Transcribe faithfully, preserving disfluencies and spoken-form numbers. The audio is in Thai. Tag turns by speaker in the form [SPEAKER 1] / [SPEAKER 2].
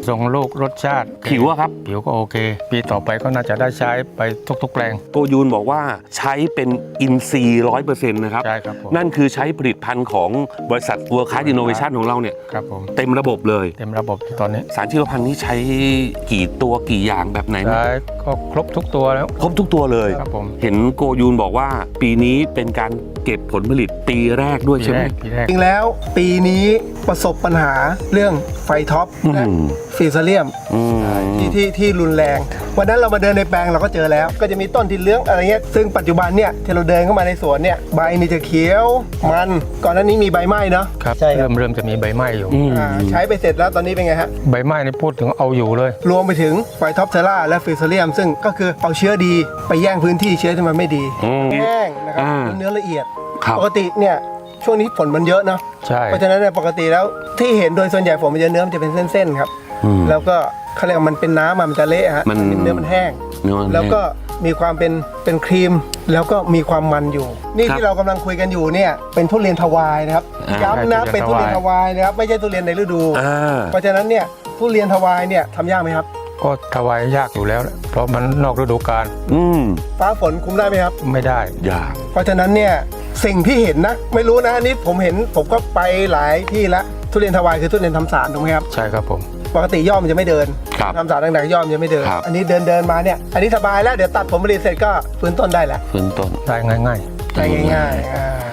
[SPEAKER 1] ทรงลูกรสชาติ
[SPEAKER 2] ผิวอะครับ
[SPEAKER 1] ผิวก็โอเคปีต่อไปก็น่าจะได้ใช้ไปทุกๆแปลง
[SPEAKER 2] โกยูนบอกว่าใช้เป็นอินทรีย์ร้อยเปอร์เซ็นต์นะครับ
[SPEAKER 1] ใช่ครับผม
[SPEAKER 2] นั่นคือใช้ผลิตภัณฑ์ของบริษัท World Class Innovation ของเราเนี่ย
[SPEAKER 1] ครับผม
[SPEAKER 2] เต็มระบบเลย
[SPEAKER 1] เต็มระบบตอนนี้
[SPEAKER 2] สารชีวพันธุ์นี้ใช้กี่ตัวกี่อย่างแบบไหนนะ
[SPEAKER 1] ใช้ก็ครบทุกตัวแล้ว
[SPEAKER 2] ครบทุกตัวเลย
[SPEAKER 1] ครับผม
[SPEAKER 2] เห็นโกยูนบอกว่าปีนี้เป็นการเก็บผลผลิตปีแรกด้วยใช่ไหม
[SPEAKER 1] ปีแรก
[SPEAKER 3] จริงแล้วปีนี้ประสบปัญหาเรื่องไฟท็อปและฟีเซเลียมที่ที่ที่รุนแรงวันนั้นเรามาเดินในแปลงเราก็เจอแล้วก็จะมีต้นที่เหลื้องอะไรเงี้ยซึ่งปัจจุบันเนี่ยที่เราเดินเข้ามาในสวนเนี่ยใบนี่จะเขียวมันก่อนหน้านี้มีใบไหม้เนาะ
[SPEAKER 1] ครับ
[SPEAKER 3] ใช่
[SPEAKER 1] เริ่มเริ่มจะมีใบไหม้อยู่
[SPEAKER 3] ใช้ไปเสร็จแล้วตอนนี้เป็นไงฮะ
[SPEAKER 1] ใบไหม้นี่พูดถึงเอาอยู่เลย
[SPEAKER 3] รวมไปถึงไฟท็อปเทล่าและฟีเซเลียมซึ่งก็คือเอาเชื้อดีไปแย่งพื้นที่เชื้อที่มันไม่ดีแห้งนะครับเนื้อละเอียดปกติเนี่ยช่วงนี้ฝนมันเยอะเนาะ
[SPEAKER 1] ใช่
[SPEAKER 3] เพราะฉะนั้นเนี่ยปกติแล้วที่เห็นโดยส่วนใหญ่ฝนมันจะเนื้อมันจะเป็นเส้นๆครับแล้วก็เขาเรียกว่ามันเป็นน้ำมันจะเละฮะมันเนื้อมันแห้งแล้วก็มีความเป็นเป็นครีมแล้วก็มีความมันอยู่นี่ที่เรากำลังคุยกันอยู่เนี่ยเป็นทุเรียนทวายนะครับย้ำนะเป็นทุเรียนทวายนะครับไม่ใช่ทุเรียนในฤดูเพราะฉะนั้นเนี่ยทุเรียนทวายเนี่ยทำยากไหมครับ
[SPEAKER 1] ก็ทวายยากอยู่แล้วเพราะมันนอกฤดูกาล
[SPEAKER 3] ฟ้าฝนคุมได้ไหมครับ
[SPEAKER 1] ไม่ได้
[SPEAKER 2] ยาก
[SPEAKER 3] เพราะฉะนั้นเนี่ยสิ่งที่เห็นนะไม่รู้นะนี่ผมเห็นผมก็ไปหลายที่ละทุเรียนทวายคือทุเรียนทำสารถูกไหมครับ
[SPEAKER 1] ใช่ครับผม
[SPEAKER 3] ปกติย่อมจะไม่เดินทำสารต่างๆย่อมจะไม่เดินอันนี้เดินเดินมาเนี่ยอันนี้สบายแล้วเดี๋ยวตัดผลผลิตเสร็จก็ฟื้นต้นได้แล้ว
[SPEAKER 2] ฟื้นต้น
[SPEAKER 1] ได้ง่าย
[SPEAKER 3] ๆได้ง่ายๆ